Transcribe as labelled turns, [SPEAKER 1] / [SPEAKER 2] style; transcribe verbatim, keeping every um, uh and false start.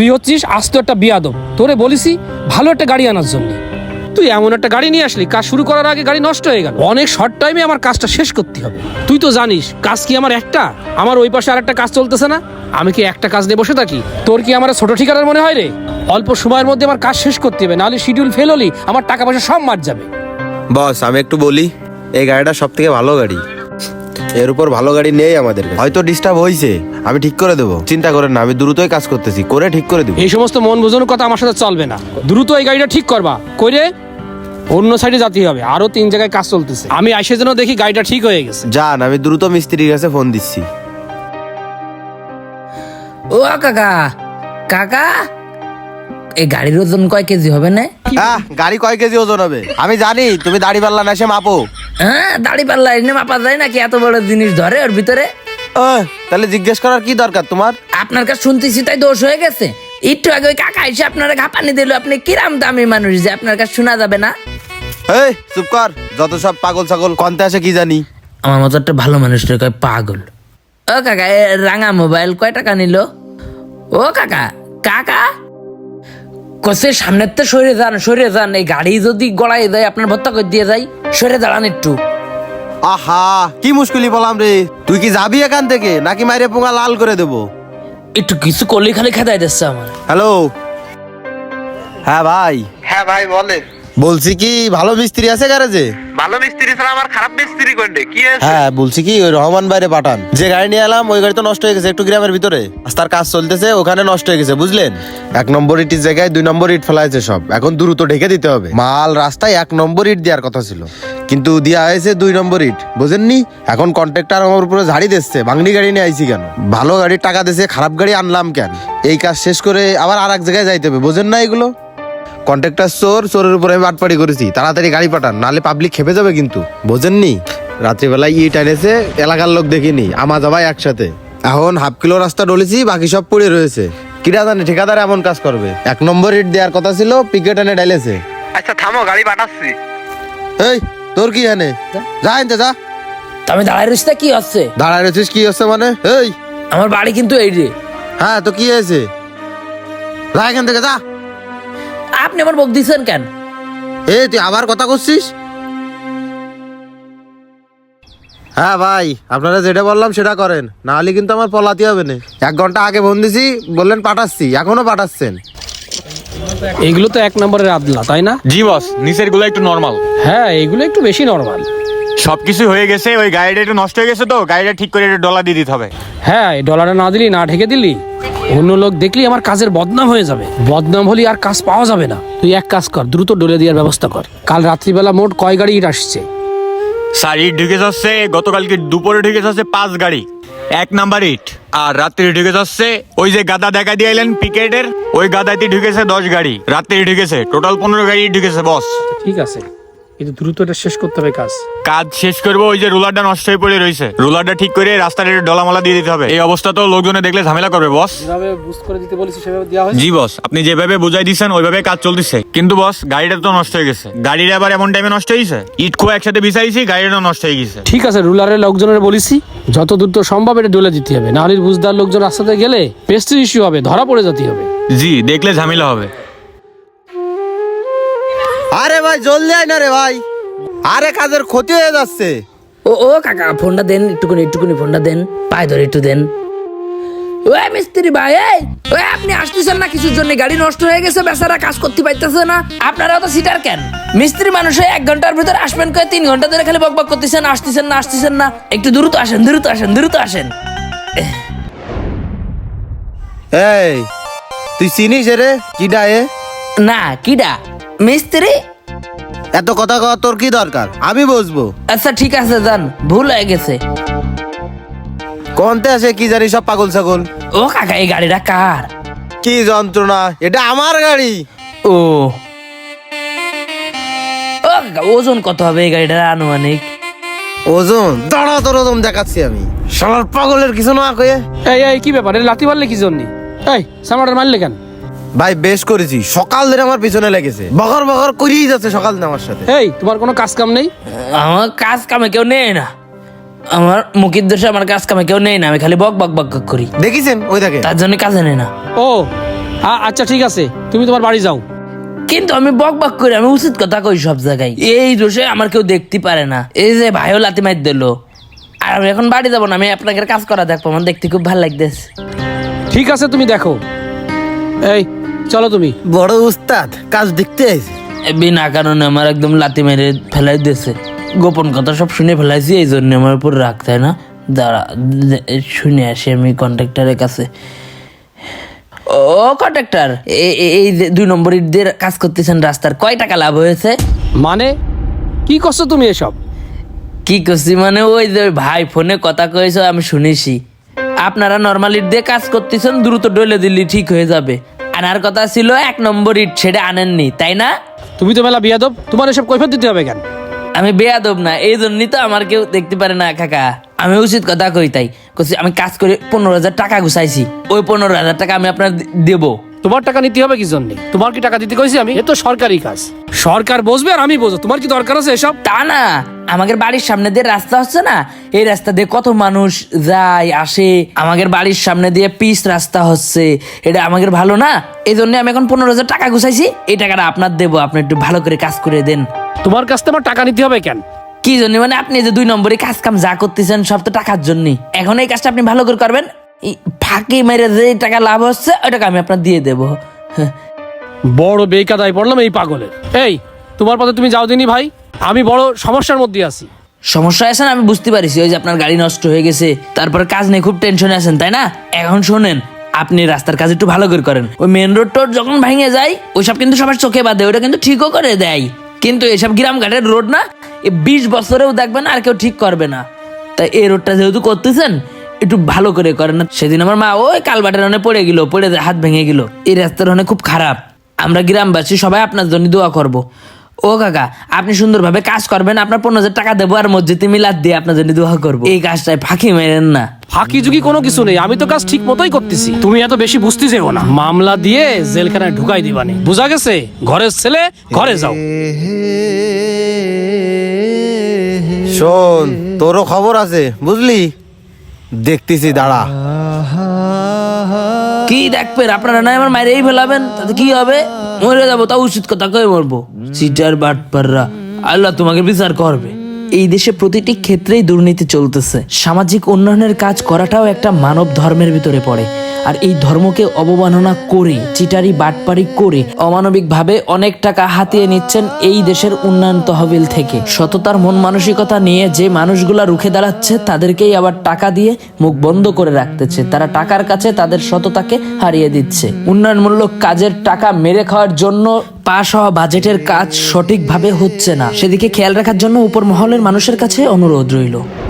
[SPEAKER 1] তুই হচ্ছিস আস্ত একটা বিয়াদব। তোরে বলিসি ভালো একটা গাড়ি আনার জন্য, তুই এমন একটা গাড়ি নিয়ে আসলি কাজ শুরু করার আগে গাড়ি নষ্ট হয়ে গেল। অনেক শর্ট টাইমে আমার কাজটা শেষ করতে হবে। তুই তো জানিস কাজ কি আমার একটা, আমার ওই পাশে আর একটা কাজ চলতেছে না। আমি কি একটা কাজ নিয়ে বসে থাকি? তোর কি আমার ছোট ঠিকানার মনে হয় রে? অল্প সময়ের মধ্যে আমার কাজ শেষ করতে হবে, নাহলে শিডিউল ফেল হলি আমার টাকা পয়সা সব মার যাবে।
[SPEAKER 2] বস আমি একটু বলি, এই গাড়িটা সব থেকে ভালো গাড়ি, এর উপর ভালো গাড়ি নেই আমাদের কাছে। হয়তো ডিস্টার্ব হয়েছে, আমি ঠিক করে দেবো, চিন্তা করেন না, আমি দ্রুতই কাজ করতেছি, করে ঠিক করে দেবো।
[SPEAKER 1] এই সমস্ত মন বোঝানোর কথা আমার সাথে চলবে না। দ্রুত এই গাড়িটা ঠিক করবা, কইরে অন্য সাইডে যেতে হবে। আরো তিন জায়গায় কাজ চলতেছে, আমি আইসে যেন দেখি গাড়িটা ঠিক হয়ে গেছে।
[SPEAKER 2] যান, আমি দ্রুত মিস্ত্রির কাছে ফোন দিচ্ছি।
[SPEAKER 3] ও কাকা, কাকা এই গাড়ির ওজন কয় কেজি হবে না?
[SPEAKER 2] হ্যাঁ, গাড়ি কয় কেজি ওজন হবে আমি জানি, তুমি দাড়ি পাল্লা না এসে মাপো।
[SPEAKER 3] হ্যাঁ, দাড়ি পাল্লা এনে মাপা যায় নাকি? এত বড় জিনিস ধরে ওর ভিতরে?
[SPEAKER 2] আহ, তাহলে জিজ্ঞেস করার কি দরকার তোমার?
[SPEAKER 3] আপনার কাছে শুনতেছি তাই দোষ হয়ে গেছে। একটু আগে ওই কাকা এসে আপনারা ঘাপানি দিল, আপনি কিরাম দামি মানুষ যে আপনার কাছে শোনা যাবে না?
[SPEAKER 2] এই চুপ কর, যত সব পাগল ছাগল কনতে আসে কি জানি।
[SPEAKER 3] আমার মতো একটা ভালো মানুষটা কয় পাগল। ও কাকা, এ রাঙা মোবাইল কয় টাকা নিল? ও কাকা, কাকা কসে সামনের তো সরে যান, সরে যান। এই গাড়ি যদি গড়াই দেয় আপনার ভত্তা করে দিয়ে যাই, সরে দাঁড়ান একটু।
[SPEAKER 2] আহা, কি মুশকিলই বললাম রে। তুই কি যাবি এখান থেকে নাকি মাইরে পোঙা লাল করে দেবো?
[SPEAKER 3] একটু কিছু করলে খালি খেদাই দিচ্ছে আমার।
[SPEAKER 2] হ্যালো, হ্যাঁ ভাই।
[SPEAKER 4] হ্যাঁ ভাই বলেন।
[SPEAKER 2] বলছি কি ভালো মিস্ত্রি আছে গ্যারেজে?
[SPEAKER 4] ভালো মিস্ত্রি ছাড়া আমার খারাপ মিস্ত্রি কোনটা কি আছে?
[SPEAKER 2] হ্যাঁ বলছি কি ওই রহমান বাইরে পাঠান, যে গাড়ি নিয়ে এলাম ওই গাড়ি তো নষ্ট হয়ে গেছে একটু গ্রামের ভিতরে, রাস্তার কাজ চলতেছে ওখানে নষ্ট হয়ে গেছে বুঝলেন। এক নম্বর ইটের জায়গায় দুই নম্বর ইট ফেলাইছে সব, এখন দ্রুত ঢেকে দিতে হবে। মাল রাস্তায় এক নম্বর ইট দেওয়ার কথা ছিল কিন্তু দেওয়া হয়েছে দুই নম্বর ইট, বুঝেননি? এখন কন্ট্রাক্টর আমার উপরে ঝাড়ি দিচ্ছে, ভাঙনি গাড়ি নিয়ে আইছি কেন? ভালো গাড়ির টাকা দিচ্ছে, খারাপ গাড়ি আনলাম কেন? এই কাজ শেষ করে আবার আর এক জায়গায় যাইতে হবে, বুঝেন না? এগুলো কন্ট্রাক্টর চোর, চোরের উপরে আমি বাটপাড়ি করেছি, তাড়াতাড়ি গাড়ি পাঠান নাহলে পাবলিক খেপে যাবে কিন্তু, বোঝেননি? রাত্রিবেলায় ইট এনেছে, এলাকার লোক দেখিনি, আমা যাবাই একসাথে। এখন হাফ কিলো রাস্তা ডলেছি, বাকি সব পড়ে রয়েছে। কিরা জানে ঠিকাদার এমন কাজ করবে? এক নম্বর ইট দেওয়ার কথা ছিল, পিকেট এনে ডাইলেছে।
[SPEAKER 4] আচ্ছা থামো, গাড়ি পাঠাচ্ছি।
[SPEAKER 2] এই তোর কি এনে যা এনতে যা।
[SPEAKER 3] তা আমি দাঁড়ায় রয়েছি, তা কি হচ্ছে?
[SPEAKER 2] দাঁড়ায় রয়েছিস কি হচ্ছে মানে? এই
[SPEAKER 3] আমার বাড়ি কিন্তু এই রে।
[SPEAKER 2] হ্যাঁ তো কি হয়েছে? যা এখান থেকে যা।
[SPEAKER 3] আপনি আমার বক দিচ্ছেন কেন?
[SPEAKER 2] এই তুই আবার কথা করছিস? হ্যাঁ ভাই, আপনারা যেটা বললাম সেটা করেন, না হলে কিন্তু আমার পলাতে হবে না। এক ঘন্টা আগে ফোন দিছি, বললেন পাঠাচ্ছি, এখনো পাঠাচ্ছেন।
[SPEAKER 1] এগুলো তো এক নম্বরের আদলা, তাই না?
[SPEAKER 5] জি বস, নিচের গুলো একটু নর্মাল।
[SPEAKER 1] হ্যাঁ, এগুলো একটু বেশি নরমাল।
[SPEAKER 5] সবকিছু হয়ে গেছে, ওই গাড়িটা একটু নষ্ট হয়ে গেছে তো গাড়িটা ঠিক করে একটু ডলা দিয়ে দিতে হবে।
[SPEAKER 1] হ্যাঁ, এই ডলারটা না দিলি, না ঢেকে দিলি, অন্য লোক দেখলি আমার কাজের বদনাম হয়ে যাবে। বদনাম হলে আর কাজ পাওয়া যাবে না। তুই এক কাজ কর, দ্রুত ডলে দেওয়ার ব্যবস্থা কর। কাল রাত্রিবেলা মোট কয় গাড়ি ইট আসছে?
[SPEAKER 5] স্যার ইট ঢুকে যাচ্ছে গতকালকে দুপুরে ঢুকে যাচ্ছে পাঁচ গাড়ি, এক নাম্বার ইট। আর রাত্রি ঢুকে যাচ্ছে ওই যে গাদা দেখা দিয়ে এলেন পিকেটের, ওই গাদাতে ঢুকেছে দশ গাড়ি, রাত্রি ঢুকেছে টোটাল পনেরো গাড়ি ঢুকেছে বস।
[SPEAKER 1] ঠিক আছে, কিন্তু দ্রুত এটা শেষ করতে হবে কাজ।
[SPEAKER 5] কাজ শেষ করবো, ওই যে রোলারটা নষ্ট হয়ে পড়ে রয়েছে, রোলারটা ঠিক করে রাস্তার একটু ডলামালা দিয়ে দিতে হবে। এই অবস্থা তো লোকজনে দেখলে ঝামেলা করবে বস।
[SPEAKER 1] যেভাবে বুঝ করে দিতে বলেছি সেভাবে দেওয়া হয়েছে।
[SPEAKER 5] জি বস, আপনি যেভাবে বুঝাই দিচ্ছেন ওইভাবে কাজ চলতেছে, কিন্তু বস গাড়িটা তো নষ্ট হয়ে গেছে। গাড়িটা আবার এমন টাইমে নষ্ট হয়েছে, ইট খোয়া একসাথে বিছাইছি, গাড়িটা নষ্ট হয়ে গেছে।
[SPEAKER 1] ঠিক আছে, রুলারের লোকজনের বলেছি যত দ্রুত সম্ভব এটা ডলে দিতে হবে, নাহলে বুঝদার লোকজন রাস্তাতে গেলে পেস্টির ইস্যু হবে, ধরা পড়ে যেতে হবে।
[SPEAKER 5] জি, দেখলে ঝামেলা হবে।
[SPEAKER 2] আরে ভাই জলদি আয় না রে ভাই, আরে কাজের ক্ষতি হয়ে যাচ্ছে।
[SPEAKER 3] ও ও কাকা, ফোনটা দেন একটুকুনি, একটুকুনি ফোনটা দেন, পায়ে ধরে একটু দেন। ওই মিস্ত্রি ভাই, এই ওই আপনি আসতেছেন না কিছুর জন্য? গাড়ি নষ্ট হয়ে গেছে, বেচারা কাজ করতে পারতেছে না। আপনারা তো সিটার কেন? মিস্ত্রি মানুষ হয়ে এক ঘন্টার ভিতরে আসবেন কয়ে তিন ঘন্টা ধরে খালি বকবক করতেছেন, আসতেছেন না আসতেছেন না। একটু দ্রুত আসেন, দ্রুত আসেন, দ্রুত আসেন।
[SPEAKER 2] এই তুই চিনিস রে কিডা এ?
[SPEAKER 3] না, কিডা? মিস্ত্রি?
[SPEAKER 2] এত কথা কওয়া তোর কি দরকার? আমি বুঝবো।
[SPEAKER 3] আচ্ছা ঠিক আছে, যান, ভুল হয়ে গেছে।
[SPEAKER 2] কোনতে আসে কি জানি সব পাগল ছাগল।
[SPEAKER 3] ও কাকা, এই গাড়িটা কার?
[SPEAKER 2] কি যন্ত্রণা, এটা আমার গাড়ি।
[SPEAKER 3] ও ও কাকা, ওজন কত হবে এই গাড়িটার আনুমানিক?
[SPEAKER 2] ওজন দাঁড়া, তোর ওজন দেখাচ্ছি আমি। শালার পাগলের কিছু না কয়ে।
[SPEAKER 1] এই এই কি ব্যাপার? এটা লাথি মারলে কি জন্য? এই সামরাটা মারলে কেন?
[SPEAKER 2] ভাই বেশ করেছি, সকাল ধরে আমার পিছনে লেগেছে, বকর বকর করিয়ে যাচ্ছে সকাল ধরে আমার সাথে।
[SPEAKER 1] এই তোমার কোনো কাজ কাম নেই?
[SPEAKER 3] আমার কাজ কামে কেউ নেই না, আমার মুখের দোষে আমার কাজ কামে কেউ নেই না, আমি খালি বক বক বক বক করি।
[SPEAKER 2] দেখিছেন ওই দেখে।
[SPEAKER 3] তার জন্য কাজে নেই না।
[SPEAKER 1] ও আ- আচ্ছা ঠিক আছে, তুমি তোমার বাড়ি যাও।
[SPEAKER 3] কিন্তু আমি বক বক করে আমি উচিত কথা কই সব জায়গায়, এই দোষে আমার কেউ দেখতে পারে না। এই যে ভাইও লাতি মার দিল, আর আমি এখন বাড়ি যাবো না, আমি আপনাকে কাজ করা দেখবো, আমার দেখতে খুব ভালো লাগতেছে।
[SPEAKER 1] ঠিক আছে, তুমি দেখো। এই চলো তুমি।
[SPEAKER 2] বড় উস্তাদ কাজ দেখতে আইছে।
[SPEAKER 3] বিনা কারণে আমার একদম লাতি মেরে ফেলাই দিয়েছে, গোপন কথা সব শুনে ফেলাইছি, এই জন্য আমার উপর রাগ, তাই না? দাঁড়া শুনে আসি আমি কন্ট্রাক্টরের কাছে। ও কন্ট্রাক্টর, এই যে দুই নম্বর ইট দিয়ে কাজ করতেছেন রাস্তার, কয় টাকা লাভ হয়েছে?
[SPEAKER 1] মানে কি করছো তুমি এসব?
[SPEAKER 3] কি করছি মানে ওই যে ভাই ফোনে কথা কয়েছ আমি শুনেছি, আপনারা নর্মাল ইট দিয়ে কাজ করতেছেন, দ্রুত ডলে দিলি ঠিক হয়ে যাবে। আনার কথা ছিল এক নম্বর ইট, সেটা আনেননি তাই না?
[SPEAKER 1] তুমি তো মেলা বিয়াদব, তোমার এসব কৈফিয়ত দিতে হবে কেন?
[SPEAKER 3] আমি বেয়াদব না, এই জন্যই তো আমার কেউ দেখতে পারে না কাকা। আমি উচিত কথা কই, তাই কইছি আমি কাজ করে পনেরো হাজার টাকা গুছাইছি, ওই পনেরো হাজার টাকা আমি আপনার দেবো।
[SPEAKER 1] তোমার টাকা নিতে হবে কি জন্য? তোমার কি টাকা দিতে কইছি আমি? এ তো সরকারি কাজ, সরকার বসবে আর আমি বসবো। তোমার কি দরকার আছে এসব?
[SPEAKER 3] তা না, আমাদের বাড়ির সামনে দিয়ে রাস্তা হচ্ছে না, এই রাস্তা দিয়ে কত মানুষ যায় আসে, আমাদের বাড়ির সামনে দিয়ে পিচ রাস্তা হচ্ছে, এটা আমাদের ভালো না? এই জন্য আমি এখন পনেরো হাজার টাকা গুছাইছি, এই টাকাটা আপনার দেবো, আপনি একটু ভালো করে কাজ করে দেন।
[SPEAKER 1] তোমার কাছ থেকে আমার টাকা নিতে হবে কেন?
[SPEAKER 3] কি জন্য মানে? আপনি যে দুই নম্বরে কাজ কাম যা করতেছেন সব তো টাকার জন্য, এখন এই কাজটা আপনি ভালো করে করবেন, এই ফাঁকি মেরে যে টাকা লাভ হচ্ছে ওই টাকা আমি আপনার দিয়ে দেবো। হ্যাঁ।
[SPEAKER 1] বড় বেকাদায় পড়লাম এই পাগলের। এই তোমার পথে তুমি যাও দিনি ভাই, আমি বড় সমস্যার মধ্যে আছি।
[SPEAKER 3] সমস্যা আছে না আমি বুঝতে পারছি, ওই যে আপনার গাড়ি নষ্ট হয়ে গেছে, তারপরে কাজ নিয়ে খুব টেনশনে আছেন তাই না? এখন শোনেন, আপনি রাস্তার কাজ একটু ভালো করে করেন, ওই মেন রোড টোড যখন ভেঙে যায় ওইসব কিন্তু সবার চোখে বাঁধে, ওটা কিন্তু ঠিকও করে দেয়, কিন্তু এসব গ্রাম ঘাটের রোড না, এ বিশ বছরেও দেখবেন আর কেউ ঠিক করবে না। তাই এই রোডটা যেহেতু করতেছেন একটু ভালো করে করেন না। সেদিন আমার মা ওই কালবাটের অনেক পড়ে গেল, পড়ে হাত ভেঙে গেল, এই রাস্তার অনেক খুব খারাপ। আমরা গ্রামবাসী সবাই আপনার জন্য দোয়া করব। ও কাকা, আপনি সুন্দরভাবে কাজ করবেন, আপনার পনেরো হাজার টাকা দেবো, আর মসজিদে মিলাদ দিয়ে আপনার জন্য দোয়া করবো। এই কাজটায় ফাঁকি মেরেন না।
[SPEAKER 1] ফাঁকি ঝুঁকি কোনো কিছু নেই, আমি তো কাজ ঠিক মতোই করতেছি। তুমি এত বেশি বুঝতে যেও না, মামলা দিয়ে জেলখানায় ঢুকাই দিবানে, বুঝা গেছে? ঘরের ছেলে ঘরে যাও।
[SPEAKER 2] শোন, তোরও খবর আছে বুঝলি, দেখতেছি দাঁড়া।
[SPEAKER 3] কি দেখবেন আপনারা? না আমার মায়ের এই ফেলাবেন, তাতে কি হবে? মরে যাবো, তা উচিত কথা কয়ে মরবো। সিটার বাটপাররা, আল্লাহ তোমাকে বিচার করবে। এই দেশে প্রতিটি ক্ষেত্রেই দুর্নীতি চলতেছে, সামাজিক উন্নয়নের কাজ করাটাও একটা মানব ধর্মের ভিতরে পড়ে। আর এই ধর্মকে অবমাননা করে, চিটারি বাটপারি করে অমানবিকভাবে অনেক টাকা হাতিয়ে নিচ্ছেন এই দেশের উন্নয়ন তহবিল থেকে। সততার মন মানসিকতা নিয়ে যে মানুষগুলা রুখে দাঁড়াচ্ছে তাদেরকেই আবার টাকা দিয়ে মুখ বন্ধ করে রাখতেছে। তারা টাকার কাছে তাদের সততাকে হারিয়ে দিচ্ছে। উন্নয়নমূলক কাজের টাকা মেরে খাওয়ার জন্য পাশ হওয়া বাজেটের কাজ সঠিকভাবে হচ্ছে না, সেদিকে খেয়াল রাখার জন্য উপর মহলের মানুষের কাছে অনুরোধ রইল।